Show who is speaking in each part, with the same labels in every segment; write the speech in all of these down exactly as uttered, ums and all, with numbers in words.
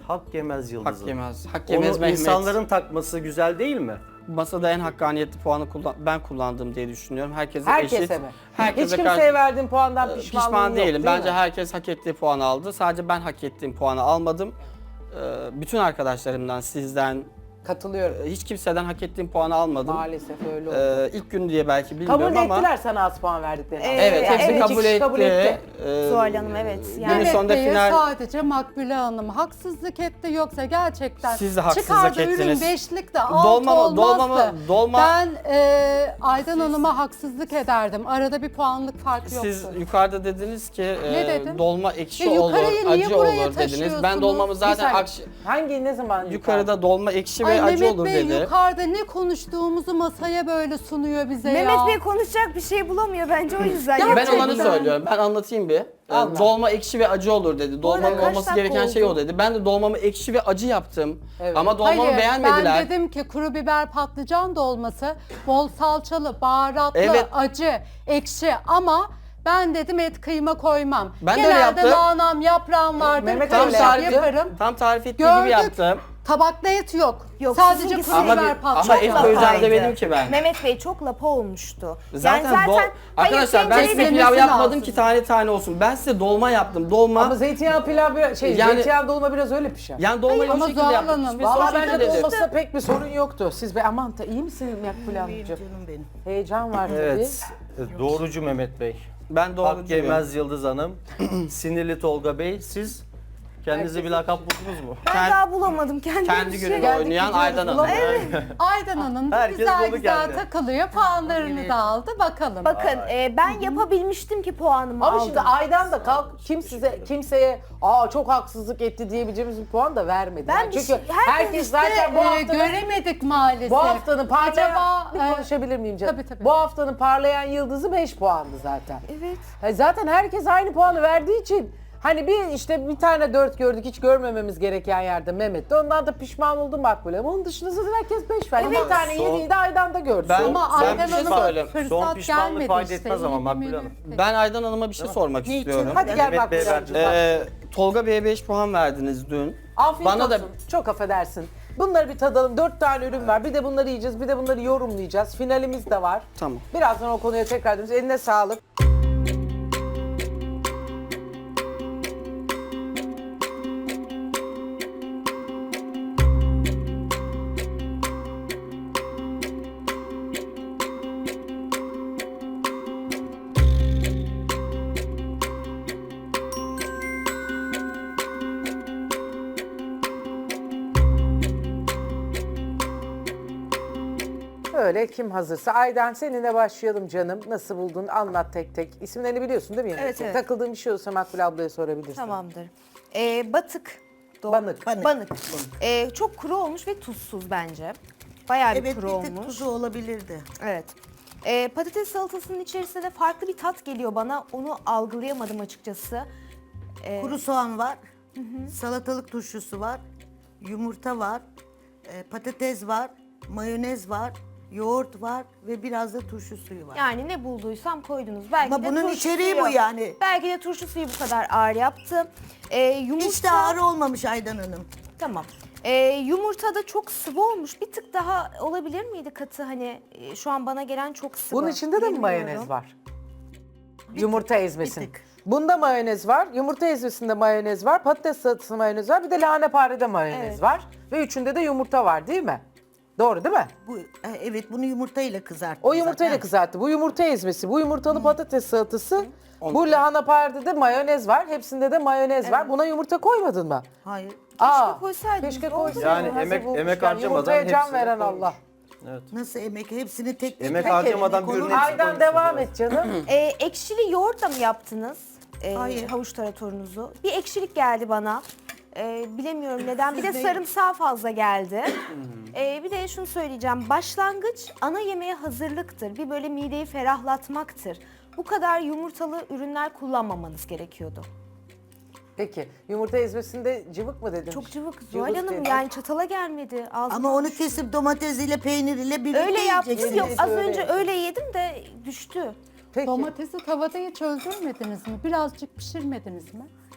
Speaker 1: hak yemez Yıldız'ın.
Speaker 2: Hak yemez. Hak yemez
Speaker 1: Onu
Speaker 2: Mehmet.
Speaker 1: insanların takması güzel değil mi?
Speaker 2: Masada en hakkaniyetli puanı kullan ben kullandım diye düşünüyorum. Herkese,
Speaker 3: Herkese
Speaker 2: eşit.
Speaker 3: mi?
Speaker 2: Herkese
Speaker 3: Hiç kimseye
Speaker 2: karşı-
Speaker 3: verdiğin puandan
Speaker 2: Ee,
Speaker 3: pişmanlığın
Speaker 2: Pişman
Speaker 3: yok,
Speaker 2: değilim.
Speaker 3: değil
Speaker 2: Bence
Speaker 3: mi?
Speaker 2: herkes hak ettiği puanı aldı. Sadece ben hak ettiğim puanı almadım. Ee, Bütün arkadaşlarımdan, sizden,
Speaker 3: Katılıyorum.
Speaker 2: hiç kimseden hak ettiğim puanı almadım.
Speaker 3: Maalesef öyle oldu.
Speaker 2: Ee, ilk gün diye belki bilmiyorum
Speaker 3: Kabul
Speaker 2: ama
Speaker 3: ettiler sana az puan verdiklerini.
Speaker 4: Ee,
Speaker 2: evet, hepsi
Speaker 4: Evet,
Speaker 2: kabul,
Speaker 3: iki kişi
Speaker 2: etti.
Speaker 3: kabul etti.
Speaker 2: Ee,
Speaker 4: Zuhal Hanım evet.
Speaker 2: Günün
Speaker 4: Yani
Speaker 2: sonunda
Speaker 5: Bey'e
Speaker 2: final
Speaker 5: sadece Makbule Hanım haksızlık etti yoksa gerçekten
Speaker 2: Siz de haksızlık
Speaker 5: çıkardı ürün
Speaker 2: ettiniz.
Speaker 5: beşlik de alt
Speaker 2: Dolma mı-
Speaker 5: olmazdı.
Speaker 2: dolma mı- dolma-
Speaker 5: Ben e, Aydan Hanım'a haksızlık ederdim. Arada bir puanlık fark yoktu.
Speaker 2: siz yukarıda dediniz ki e,
Speaker 5: Ne dedim?
Speaker 2: dolma ekşi
Speaker 5: Ya
Speaker 2: olur,
Speaker 5: yukarıyı niye
Speaker 2: acı
Speaker 5: buraya
Speaker 2: olur dediniz. Ben
Speaker 5: taşıyorsunuz?
Speaker 2: dolmamı
Speaker 3: Bir
Speaker 2: zaten
Speaker 3: saniye.
Speaker 2: akş-
Speaker 3: Hangi ne zaman
Speaker 2: yukarıda dolma ekşi ve
Speaker 5: Ay
Speaker 2: acı
Speaker 5: Mehmet
Speaker 2: olur
Speaker 5: Bey
Speaker 2: dedi.
Speaker 5: yukarıda ne konuştuğumuzu masaya böyle sunuyor bize ya.
Speaker 4: Mehmet Bey konuşacak bir şey bulamıyor bence o yüzden.
Speaker 5: Ya
Speaker 2: Ben
Speaker 4: yapacak
Speaker 2: olanı
Speaker 4: bir şey.
Speaker 2: söylüyorum. Ben anlatayım bir. Ee,
Speaker 3: Allah.
Speaker 2: Dolma ekşi ve acı olur dedi. Dolmanın
Speaker 4: kaç
Speaker 2: olması
Speaker 4: dakika
Speaker 2: gereken şey
Speaker 4: oldu?
Speaker 2: o dedi. Ben de dolmamı ekşi ve acı yaptım.
Speaker 3: Evet.
Speaker 2: Ama dolmamı
Speaker 5: Hayır,
Speaker 2: beğenmediler.
Speaker 5: ben dedim ki kuru biber patlıcan dolması bol salçalı, baharatlı,
Speaker 2: Evet.
Speaker 5: acı, ekşi ama ben dedim et kıyma koymam.
Speaker 2: Ben de öyle
Speaker 5: Genelde
Speaker 2: yaptım.
Speaker 5: lahanam, yaprağım vardır.
Speaker 3: Mehmet
Speaker 2: Tam
Speaker 3: öyle
Speaker 2: tarifi,
Speaker 5: yaparım.
Speaker 2: tam tarif ettiği
Speaker 5: Gördük.
Speaker 2: gibi yaptım.
Speaker 5: Tabakta et yok.
Speaker 4: Yok,
Speaker 5: Sadece
Speaker 4: sizinkisi
Speaker 5: kuru
Speaker 2: Ama,
Speaker 5: biber
Speaker 2: bir,
Speaker 5: patlıcan.
Speaker 2: ama et
Speaker 4: Çok
Speaker 2: koyacağım
Speaker 4: lapaydı.
Speaker 2: demedim ki ben.
Speaker 4: Mehmet Bey çok lapa olmuştu.
Speaker 2: Zaten,
Speaker 4: yani
Speaker 2: do-
Speaker 4: zaten
Speaker 2: arkadaşlar ben
Speaker 4: hayır,
Speaker 2: size
Speaker 4: tencereyi-
Speaker 2: pilav
Speaker 5: demesi
Speaker 2: yapmadım
Speaker 5: lazım.
Speaker 2: ki tane tane olsun. Ben size dolma yaptım. Dolma.
Speaker 3: Ama zeytinyağı pilav biraz- şey
Speaker 2: Yani-
Speaker 3: zeytinyağı dolma biraz öyle pişer.
Speaker 2: yani dolmayı
Speaker 5: Ama
Speaker 2: o şekilde
Speaker 5: Zuhal
Speaker 2: yaptım.
Speaker 5: Hanım,
Speaker 2: Hiçbir
Speaker 3: Vallahi
Speaker 2: sorun
Speaker 3: bence
Speaker 2: değil dedim.
Speaker 3: dolmasında pek bir sorun yoktu. Siz be aman da iyi misiniz Makbule Hanımcığım?
Speaker 6: Canım benim.
Speaker 3: Heyecan var
Speaker 1: Evet. Doğrucu Mehmet Bey.
Speaker 2: Ben
Speaker 1: Hak
Speaker 2: doğrucuyum.
Speaker 1: yemez Yıldız Hanım. Sinirli Tolga Bey. Siz kendinize bir lakap buldunuz mu?
Speaker 4: Ben
Speaker 2: Kend-
Speaker 4: daha bulamadım kendime
Speaker 2: Kendi
Speaker 4: bir şey.
Speaker 2: gününü
Speaker 3: Geldik,
Speaker 2: oynayan
Speaker 3: gidiyoruz,
Speaker 2: Aydan Hanım.
Speaker 3: bulamıyoruz.
Speaker 5: Aydan Hanım da
Speaker 1: Herkes
Speaker 5: güzel
Speaker 1: buldu
Speaker 5: güzel
Speaker 1: kendini.
Speaker 5: takılıyor. Puanlarını da aldı. Bakalım.
Speaker 4: Bakın e, ben yapabilmiştim ki puanımı
Speaker 3: Ama
Speaker 4: aldım.
Speaker 3: şimdi Aydan da kalk kim size kimseye aa çok haksızlık etti diyebileceğimiz bir puan da vermedi.
Speaker 4: Ben
Speaker 3: Yani
Speaker 4: bir
Speaker 3: çünkü
Speaker 4: şey- herkes
Speaker 3: herkes
Speaker 5: İşte,
Speaker 3: zaten bu
Speaker 5: e,
Speaker 3: haftanın
Speaker 5: göremedik maalesef.
Speaker 3: bu haftanın parlayan
Speaker 5: Acaba,
Speaker 3: bir
Speaker 5: e,
Speaker 3: konuşabilir miyim canım?
Speaker 5: tabii, tabii.
Speaker 3: Bu haftanın parlayan yıldızı beş puandı zaten.
Speaker 4: Evet.
Speaker 3: Ha, zaten herkes aynı puanı verdiği için hani bir işte bir tane dört gördük hiç görmememiz gereken yerde Mehmet de ondan da pişman oldum Makbule. Ama onun dışında zaten herkes beş verdi. Bir tane
Speaker 1: son-
Speaker 3: yediği de Aydan da gördü.
Speaker 2: Ben-
Speaker 5: Ama
Speaker 2: Ben
Speaker 5: Aydan
Speaker 2: bir şey
Speaker 5: Hanım'a
Speaker 2: söyleyeyim.
Speaker 1: Son
Speaker 5: fırsat
Speaker 1: pişmanlık
Speaker 5: gelmedi
Speaker 1: fayda
Speaker 5: işte.
Speaker 1: etmez ama
Speaker 5: İyi
Speaker 1: Makbule
Speaker 5: bir
Speaker 1: Hanım.
Speaker 5: menü.
Speaker 2: Ben Aydan Hanım'a bir şey sormak istiyorum.
Speaker 3: Hadi gel
Speaker 1: Mehmet Bey
Speaker 3: Makbule
Speaker 1: verdi.
Speaker 3: Hanımcığım.
Speaker 2: Ee, Tolga Bey'e beş puan verdiniz dün.
Speaker 3: Afiyet
Speaker 2: Bana
Speaker 3: olsun.
Speaker 2: da
Speaker 3: Çok affedersin. Bunları bir tadalım. Dört tane ürün var. Bir de bunları yiyeceğiz. Bir de bunları yorumlayacağız. Finalimiz de var.
Speaker 2: Tamam.
Speaker 3: Birazdan o konuya tekrar döneceğiz. Eline sağlık. Öyle kim hazırsa. Aydan seninle başlayalım canım. Nasıl buldun? Anlat tek tek. İsimlerini biliyorsun değil mi?
Speaker 4: Evet, evet.
Speaker 3: Takıldığın bir şey olursa Makbule ablaya sorabilirsin.
Speaker 4: Tamamdır. E, batık. Do-
Speaker 3: Banık.
Speaker 6: Banık.
Speaker 4: Banık. E, çok kuru olmuş ve tuzsuz bence. Bayağı bir
Speaker 6: Evet
Speaker 4: kuru
Speaker 6: bir tık
Speaker 4: olmuş.
Speaker 6: tuzu olabilirdi.
Speaker 4: Evet. E, patates salatasının içerisinde de farklı bir tat geliyor bana. Onu algılayamadım açıkçası. E,
Speaker 6: Kuru soğan var, salatalık turşusu var, yumurta var, e, patates var, mayonez var, yoğurt var ve biraz da turşu suyu var.
Speaker 4: Yani ne bulduysam koydunuz. Belki
Speaker 6: Ama
Speaker 4: de
Speaker 6: bunun
Speaker 4: turşu
Speaker 6: içeriği
Speaker 4: suyu-
Speaker 6: bu yani.
Speaker 4: Belki de turşu suyu bu kadar ağır yaptı. E, yumurta...
Speaker 6: Hiç de ağır olmamış Aydan Hanım.
Speaker 4: Tamam. Ee, yumurta da çok sıvı olmuş. Bir tık daha olabilir miydi katı? Hani e, şu an bana gelen çok sıvı.
Speaker 3: Bunun içinde de mi
Speaker 4: Bilmiyorum.
Speaker 3: mayonez var? Yumurta ezmesi.
Speaker 6: bir tık.
Speaker 3: Bunda mayonez var, yumurta ezmesinde mayonez var, patates salatasında mayonez var, bir de lahaneparede mayonez
Speaker 4: Evet.
Speaker 3: var. Ve üçünde de yumurta var değil mi? Doğru değil mi?
Speaker 6: Bu e, evet bunu yumurtayla kızarttım.
Speaker 3: O yumurtayla
Speaker 6: zaten.
Speaker 3: kızarttı. Bu yumurta ezmesi, bu yumurtalı patates salatası, bu lahanepardede de mayonez var. Hepsinde de mayonez var. Buna yumurta koymadın mı?
Speaker 6: Hayır.
Speaker 3: Aa,
Speaker 4: koysaydınız,
Speaker 3: keşke
Speaker 4: oldu
Speaker 3: koysaydın.
Speaker 1: Yani
Speaker 3: Hazır
Speaker 1: emek-
Speaker 3: bulmuşken.
Speaker 1: emek harcamadan
Speaker 3: Yumurtaya can
Speaker 1: hepsini
Speaker 3: veren
Speaker 1: koymuş.
Speaker 3: Allah.
Speaker 6: Nasıl emek? Hepsini tek tek.
Speaker 1: Emek
Speaker 6: tek
Speaker 1: harcamadan
Speaker 6: eline
Speaker 1: bir
Speaker 6: konur.
Speaker 1: ürün-
Speaker 3: Aydan devam et canım.
Speaker 4: Ee, ekşili yoğurtla mı yaptınız? Ee,
Speaker 6: Hayır.
Speaker 4: Havuç taratorunuzu. Bir ekşilik geldi bana. Ee, bilemiyorum neden. Bir de
Speaker 6: Siz de-
Speaker 4: sarımsağı fazla geldi. Ee, bir de şunu söyleyeceğim. Başlangıç ana yemeğe hazırlıktır. Bir böyle mideyi ferahlatmaktır. Bu kadar yumurtalı ürünler kullanmamanız gerekiyordu.
Speaker 3: Peki yumurta ezmesinde cıvık mı dedin?
Speaker 4: Çok cıvık.
Speaker 3: Cıvık
Speaker 4: Zuhal Hanım
Speaker 3: dedi.
Speaker 4: yani çatala gelmedi. Ağzıma
Speaker 6: Ama onu
Speaker 4: düştü.
Speaker 6: kesip domatesiyle peyniriyle birlikte
Speaker 4: Öyle yaptım.
Speaker 6: yiyeceksiniz.
Speaker 4: Yok az
Speaker 3: Öyle
Speaker 4: önce
Speaker 3: yaptım.
Speaker 4: öyle yedim de düştü.
Speaker 3: Peki.
Speaker 5: Domatesi tavada hiç öldürmediniz mi? Birazcık pişirmediniz mi?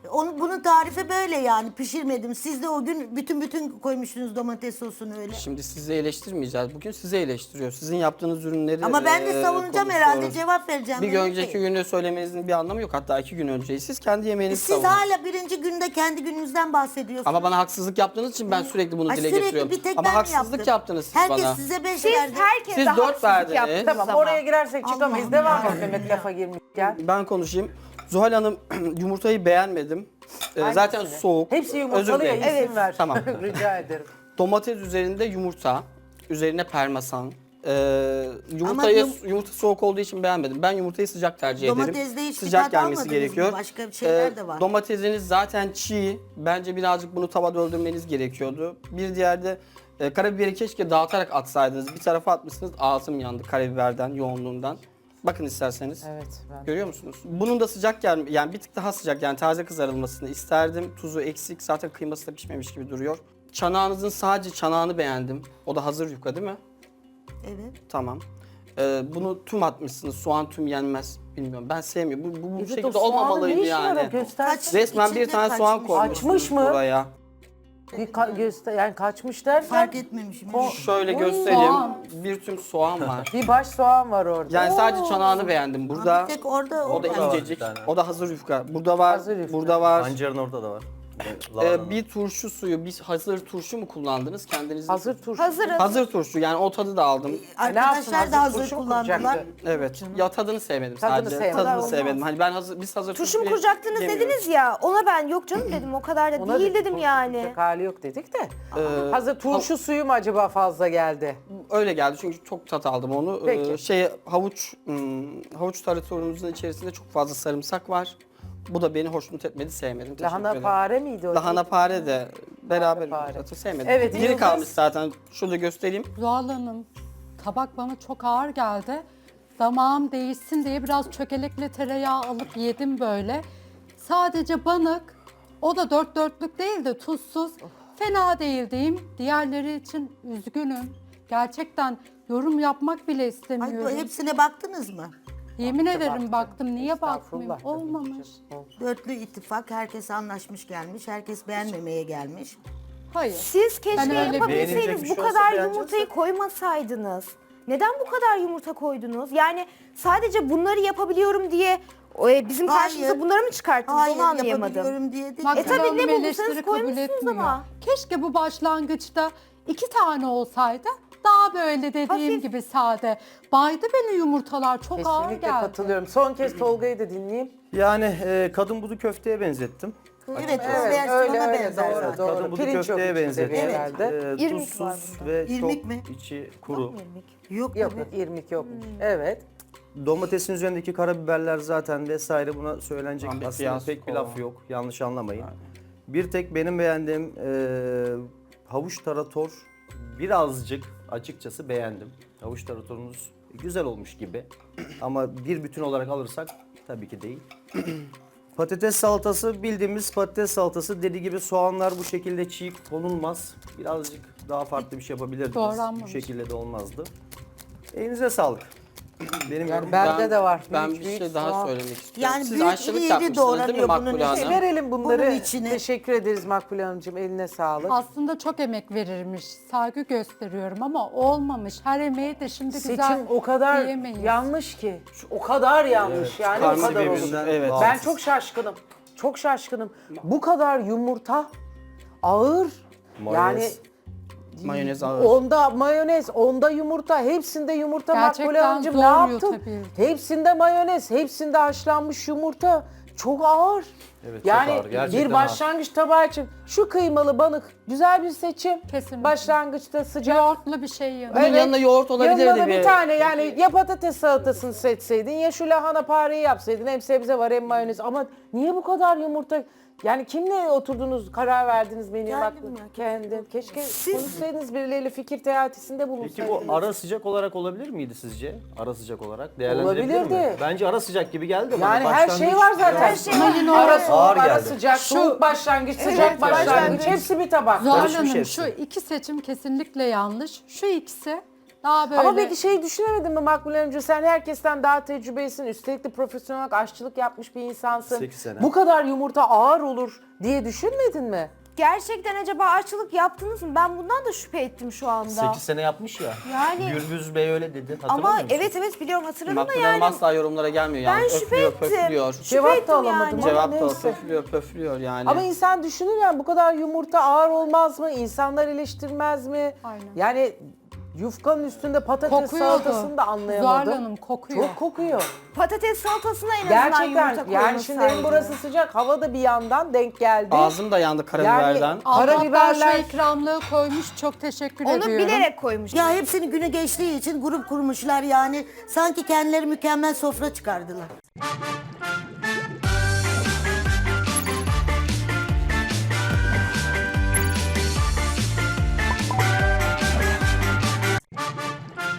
Speaker 6: Onu, bunun tarifi böyle yani pişirmedim. Siz de o gün bütün bütün koymuştunuz domates sosunu öyle.
Speaker 2: Şimdi sizi eleştirmeyeceğiz. Bugün sizi eleştiriyor. Sizin yaptığınız ürünleri
Speaker 6: Ama ben de
Speaker 2: eee,
Speaker 6: savunacağım
Speaker 2: konuşuyoruz.
Speaker 6: herhalde, cevap vereceğim.
Speaker 2: Bir
Speaker 6: Mehmet
Speaker 2: önceki
Speaker 6: Bey.
Speaker 2: günü söylemenizin bir anlamı yok. Hatta iki gün önceyi siz kendi yemeğinizi
Speaker 6: Siz
Speaker 2: savunun.
Speaker 6: hala birinci günde kendi gününüzden bahsediyorsunuz.
Speaker 2: Ama bana haksızlık yaptığınız için ben sürekli bunu
Speaker 6: Ay,
Speaker 2: dile
Speaker 6: sürekli
Speaker 2: getiriyorum.
Speaker 6: bir tek
Speaker 2: Ama
Speaker 6: ben mi
Speaker 2: haksızlık
Speaker 6: yaptım?
Speaker 2: yaptınız siz
Speaker 6: Herkes
Speaker 2: bana.
Speaker 6: size beş
Speaker 4: Siz
Speaker 6: verdi.
Speaker 4: herkese
Speaker 2: Siz dört
Speaker 4: haksızlık
Speaker 2: verdiniz.
Speaker 4: yaptınız
Speaker 3: Tamam
Speaker 4: ama.
Speaker 3: oraya girersek çıkamayız.
Speaker 6: Allah'ım
Speaker 3: Devam
Speaker 6: ya.
Speaker 3: et Mehmet lafa girmişken.
Speaker 2: Ben konuşayım. Zuhal Hanım yumurtayı beğenmedim. Ee, zaten
Speaker 3: Hangisini?
Speaker 2: soğuk.
Speaker 3: Hepsi
Speaker 2: Özür
Speaker 3: yumurtalı ya
Speaker 2: dilerim.
Speaker 3: isim
Speaker 4: Evet.
Speaker 3: ver.
Speaker 2: Tamam.
Speaker 3: Rica ederim.
Speaker 2: Domates üzerinde yumurta, üzerine parmesan. Ee, yumurtayı
Speaker 6: yum-
Speaker 2: yumurta soğuk olduğu için beğenmedim. Ben yumurtayı sıcak tercih ederim.
Speaker 6: Domatesde hiç
Speaker 2: Sıcak
Speaker 6: tat
Speaker 2: gelmesi
Speaker 6: almadınız mı?
Speaker 2: gerekiyor. Ee,
Speaker 6: Başka şeyler de var.
Speaker 2: Domatesiniz zaten çiğ. Bence birazcık bunu tavada öldürmeniz gerekiyordu. Bir diğer de e, karabiberi keşke dağıtarak atsaydınız. Bir tarafa atmışsınız, ağzım yandı karabiberden, yoğunluğundan. Bakın isterseniz.
Speaker 3: Evet. Ben...
Speaker 2: Görüyor musunuz? Bunun da sıcak gel yani bir tık daha sıcak yani taze kızarılmasını isterdim. Tuzu eksik, zaten kıyması da pişmemiş gibi duruyor. Çanağınızın sadece çanağını beğendim. O da hazır yufka değil mi?
Speaker 6: Evet.
Speaker 2: Tamam. Ee, bunu tüm atmışsınız. Soğan tüm yenmez. Bilmiyorum. Ben sevmiyorum. Bu, bu, bu
Speaker 3: Evet, o
Speaker 2: şekilde
Speaker 3: soğanın
Speaker 2: olmamalıydı
Speaker 3: ne işi var o?
Speaker 2: yani.
Speaker 3: Göstersin.
Speaker 2: Resmen bir
Speaker 6: İçinde
Speaker 2: tane soğan
Speaker 6: kaçmış.
Speaker 2: koymuşsunuz
Speaker 3: Açmış mı?
Speaker 2: buraya.
Speaker 3: Bir ka- göster yani kaçmış derken
Speaker 6: Fark etmemişim.
Speaker 3: Ko-
Speaker 2: Şöyle
Speaker 3: Oy.
Speaker 2: göstereyim.
Speaker 5: Soğan.
Speaker 2: Bir tüm soğan var.
Speaker 3: bir baş soğan var orada.
Speaker 2: Yani sadece çanağını beğendim. Burada
Speaker 6: Bir tek orada
Speaker 2: o da
Speaker 1: Burada var
Speaker 2: incecik.
Speaker 1: bir tane.
Speaker 2: O da hazır yufka. Burada var.
Speaker 3: Hazır yufka.
Speaker 2: Burada var.
Speaker 1: Pancarın orada da var.
Speaker 2: Ee,
Speaker 1: Lahananın.
Speaker 2: bir turşu suyu, bir hazır turşu mu kullandınız kendiniz?
Speaker 3: Hazır turşu.
Speaker 4: Hazır hazır.
Speaker 2: Hazır turşu yani o tadı da aldım.
Speaker 3: Ne yapsın,
Speaker 6: Arkadaşlar da hazır
Speaker 3: turşu mu
Speaker 6: kullandılar.
Speaker 3: kuracaktı?
Speaker 2: Evet. Ya tadını sevmedim
Speaker 3: Tadını
Speaker 2: sadece.
Speaker 3: sevmedim.
Speaker 2: Tadını
Speaker 3: Olmaz.
Speaker 2: sevmedim. Hani ben hazır biz hazır
Speaker 4: Turşu mu
Speaker 2: turşuyu
Speaker 4: kuracaktınız
Speaker 2: yemiyoruz.
Speaker 4: dediniz ya. Ona ben yok canım dedim. O kadar da
Speaker 3: Ona
Speaker 4: değil
Speaker 3: dedik,
Speaker 4: dedim
Speaker 3: turşu
Speaker 4: yani.
Speaker 3: kuracak hali yok dedik de.
Speaker 2: Ee,
Speaker 3: Hazır turşu suyu mu acaba fazla geldi?
Speaker 2: Öyle geldi çünkü çok tat aldım onu.
Speaker 3: Peki.
Speaker 2: Ee, şey havuç hmm, havuç taratorumuzun içerisinde çok fazla sarımsak var. Bu da beni hoşnut etmedi, sevmedim. Teşekkür
Speaker 3: Lahana
Speaker 2: ederim.
Speaker 3: pare miydi o?
Speaker 2: Lahana pare de beraber
Speaker 3: pare.
Speaker 2: zaten sevmedim.
Speaker 3: Evet,
Speaker 2: Biri
Speaker 3: Yıldız.
Speaker 2: kalmış zaten. Şurada göstereyim.
Speaker 5: Zuhal Hanım, tabak bana çok ağır geldi. Damağım değişsin diye biraz çökelekle tereyağı alıp yedim böyle. Sadece banık, o da dört dörtlük değil de tuzsuz. Fena değil diyeyim. Diğerleri için üzgünüm. Gerçekten yorum yapmak bile
Speaker 6: Ay,
Speaker 5: istemiyorum.
Speaker 6: bu hepsine baktınız mı?
Speaker 5: Yemin ederim
Speaker 3: baktım.
Speaker 5: baktım. Niye
Speaker 3: Estağfurullah
Speaker 5: bakmayayım?
Speaker 3: tabii ki
Speaker 5: Olmamış.
Speaker 3: canım.
Speaker 6: Dörtlü ittifak, herkes anlaşmış gelmiş, herkes beğenmemeye gelmiş.
Speaker 5: Hayır.
Speaker 4: Siz keşke
Speaker 5: Ben öyle bir-
Speaker 1: Beğenilecek
Speaker 4: yapabilseydiniz
Speaker 1: bir
Speaker 4: bu
Speaker 1: şey olsa
Speaker 4: kadar
Speaker 1: beğeneceğiz
Speaker 4: yumurtayı
Speaker 1: de.
Speaker 4: koymasaydınız. Neden bu kadar yumurta koydunuz? Yani sadece bunları yapabiliyorum diye e, bizim
Speaker 6: Hayır.
Speaker 4: karşımıza bunları mı çıkarttınız?
Speaker 6: Hayır,
Speaker 4: Onu anlayamadım.
Speaker 6: yapabiliyorum diye değil.
Speaker 5: Bak,
Speaker 4: E tabii,
Speaker 5: Hanım
Speaker 4: ne bulursanız
Speaker 5: eleştiri kabul
Speaker 4: koymuşsunuz
Speaker 5: etmiyor.
Speaker 4: ama.
Speaker 5: Keşke bu başlangıçta iki tane olsaydı daha böyle dediğim
Speaker 4: Hafif.
Speaker 5: gibi sade. Baydı beni yumurtalar, çok ağır
Speaker 3: Kesinlikle
Speaker 5: geldi.
Speaker 3: katılıyorum. Son kez Tolga'yı da dinleyeyim.
Speaker 1: Yani e, kadın budu köfteye benzettim.
Speaker 6: Evet, o
Speaker 3: Evet,
Speaker 6: versiyona
Speaker 3: öyle, öyle,
Speaker 6: benzer
Speaker 3: doğru,
Speaker 6: zaten.
Speaker 3: doğru.
Speaker 1: Kadın budu
Speaker 3: Pirinç yok
Speaker 1: köfteye
Speaker 3: içinde
Speaker 1: benzettim.
Speaker 3: bir herhalde.
Speaker 1: E,
Speaker 4: İrmik var
Speaker 1: tuzsuz
Speaker 4: bunda.
Speaker 1: ve
Speaker 6: İrmik
Speaker 1: çok
Speaker 6: mi?
Speaker 1: içi kuru.
Speaker 6: Yok,
Speaker 3: Yok
Speaker 6: tabii.
Speaker 3: yok irmik yokmuş. Evet.
Speaker 1: Domatesin üzerindeki karabiberler zaten vesaire buna söylenecek
Speaker 2: Ahmet
Speaker 1: aslında
Speaker 2: Beyaz
Speaker 1: pek bir
Speaker 2: kova.
Speaker 1: laf yok. Yanlış anlamayın. Bir tek benim beğendiğim e, havuç tarator birazcık açıkçası beğendim. Havuç taratorunuz güzel olmuş gibi. Ama bir bütün olarak alırsak tabii ki değil. Patates salatası bildiğimiz patates salatası. Dediği gibi soğanlar bu şekilde çiğ konulmaz. Birazcık daha farklı bir şey yapabilirdiniz. Bu
Speaker 5: Doğranmamış.
Speaker 1: şekilde de olmazdı. Elinize sağlık. Benim
Speaker 3: Yani
Speaker 1: yorumum-
Speaker 3: bende
Speaker 2: Ben-
Speaker 3: de var.
Speaker 2: Ben
Speaker 3: Büyük
Speaker 2: bir
Speaker 3: büyük
Speaker 2: şey daha
Speaker 3: soğan.
Speaker 2: söylemek istiyorum.
Speaker 6: Yani
Speaker 2: Siz
Speaker 6: büyük
Speaker 2: aşçılık
Speaker 6: iri
Speaker 2: yapmışsınız değil mi
Speaker 6: doğranıyor bunun
Speaker 2: Makbule
Speaker 6: içine.
Speaker 2: Hanım?
Speaker 3: Verelim bunları.
Speaker 6: Bunun içine-
Speaker 3: Teşekkür ederiz Makbule Hanımcığım. Eline sağlık.
Speaker 5: Aslında çok emek verirmiş, saygı gösteriyorum ama olmamış. Her emeği de şimdi güzel
Speaker 3: Seçim o kadar
Speaker 5: diyemeyiz.
Speaker 3: yanlış ki. Şu- O kadar yanlış yani o
Speaker 2: Karma
Speaker 3: kadar olur.
Speaker 2: birbirinden Evet.
Speaker 3: Ben
Speaker 1: bağımsız.
Speaker 3: çok şaşkınım. Çok şaşkınım. Bu kadar yumurta ağır.
Speaker 1: Mayonez.
Speaker 3: Yani
Speaker 2: Mayonez ağır.
Speaker 3: onda mayonez, onda yumurta, hepsinde yumurta.
Speaker 5: Gerçekten
Speaker 3: Makbule Hanımcığım ne
Speaker 5: zor
Speaker 3: yaptın?
Speaker 5: yutabildim.
Speaker 3: Hepsinde mayonez, hepsinde haşlanmış yumurta. Çok ağır.
Speaker 1: Evet, çok
Speaker 3: yani
Speaker 1: ağır, gerçekten
Speaker 3: bir başlangıç tabağı için şu kıymalı banık güzel bir seçim.
Speaker 5: Kesinlikle.
Speaker 3: Başlangıçta sıcak.
Speaker 5: Yoğurtlu bir şey yanı.
Speaker 2: Bunun yanına yoğurt olabilirdi
Speaker 3: Yanına da
Speaker 2: bir.
Speaker 3: bir tane yani ya patates salatasını seçseydin ya şu lahana pareyi yapsaydın. Hem sebze var hem mayonez. Ama niye bu kadar yumurta? Yani kimle oturdunuz, karar verdiniz menüye
Speaker 6: Kendim
Speaker 3: baktınız?
Speaker 6: ya,
Speaker 3: Kendin. Keşke konuşsaydınız birileriyle fikir teatisinde bulunsaydınız.
Speaker 1: Peki bu ara sıcak olarak olabilir miydi sizce? Ara sıcak olarak değerlendirilebilir mi?
Speaker 3: Olabilirdi.
Speaker 1: Bence ara sıcak gibi geldi bana.
Speaker 3: Yani her şey var zaten.
Speaker 4: Her şey var.
Speaker 3: Ara soğuk,
Speaker 1: Ağır
Speaker 3: ara
Speaker 1: geldi.
Speaker 3: sıcak, soğuk başlangıç, sıcak başlangıç. Hepsi bir tabak.
Speaker 5: Zuhal
Speaker 1: Karışmış
Speaker 5: Hanım
Speaker 1: hepsi.
Speaker 5: şu iki seçim kesinlikle yanlış. Şu ikisi Daha böyle.
Speaker 3: Ama peki şey düşünemedin mi Makbule Hanımcığım? Sen herkesten daha tecrübelisin. Üstelik de profesyonel olarak aşçılık yapmış bir insansın.
Speaker 1: Sekiz sene.
Speaker 3: Bu kadar yumurta ağır olur diye düşünmedin mi?
Speaker 4: Gerçekten acaba aşçılık yaptınız mı? Ben bundan da şüphe ettim şu anda.
Speaker 1: sekiz sene yapmış ya.
Speaker 4: Yani-
Speaker 1: Gürbüz Bey öyle dedi. Hatırlamıyor
Speaker 4: Ama
Speaker 1: musun?
Speaker 4: evet evet biliyorum hatırladım da
Speaker 2: Makbule Hanım
Speaker 4: yani.
Speaker 2: asla yorumlara gelmiyor yani.
Speaker 4: Ben şüphe
Speaker 2: Öflüyor,
Speaker 4: ettim.
Speaker 2: pöflüyor.
Speaker 3: Cevap da
Speaker 4: ettim
Speaker 3: alamadım
Speaker 4: yani.
Speaker 3: ama
Speaker 2: Cevap da o
Speaker 3: neyse.
Speaker 2: pöflüyor, pöflüyor yani.
Speaker 3: Ama insan düşünür yani bu kadar yumurta ağır olmaz mı? İnsanlar eleştirmez mi?
Speaker 5: Aynen.
Speaker 3: Yani yufkanın üstünde patates
Speaker 5: Kokuyordu.
Speaker 3: salatasını da anlayamadım.
Speaker 5: Zuhal Hanım kokuyor.
Speaker 3: Çok kokuyor.
Speaker 4: Patates salatasına en azından yumurta
Speaker 3: Gerçekten
Speaker 4: koyulsaydı.
Speaker 3: yani şimdi evin burası sıcak. Hava da bir yandan denk geldi.
Speaker 2: Ağzım da yandı karabiberden.
Speaker 5: Allah
Speaker 3: Karabiberler-
Speaker 5: şu ikramlığı koymuş. Çok teşekkür
Speaker 4: Onu
Speaker 5: ediyorum.
Speaker 4: bilerek koymuş.
Speaker 6: Ya hepsini günü geçtiği için grup kurmuşlar yani. Sanki kendileri mükemmel sofra çıkardılar.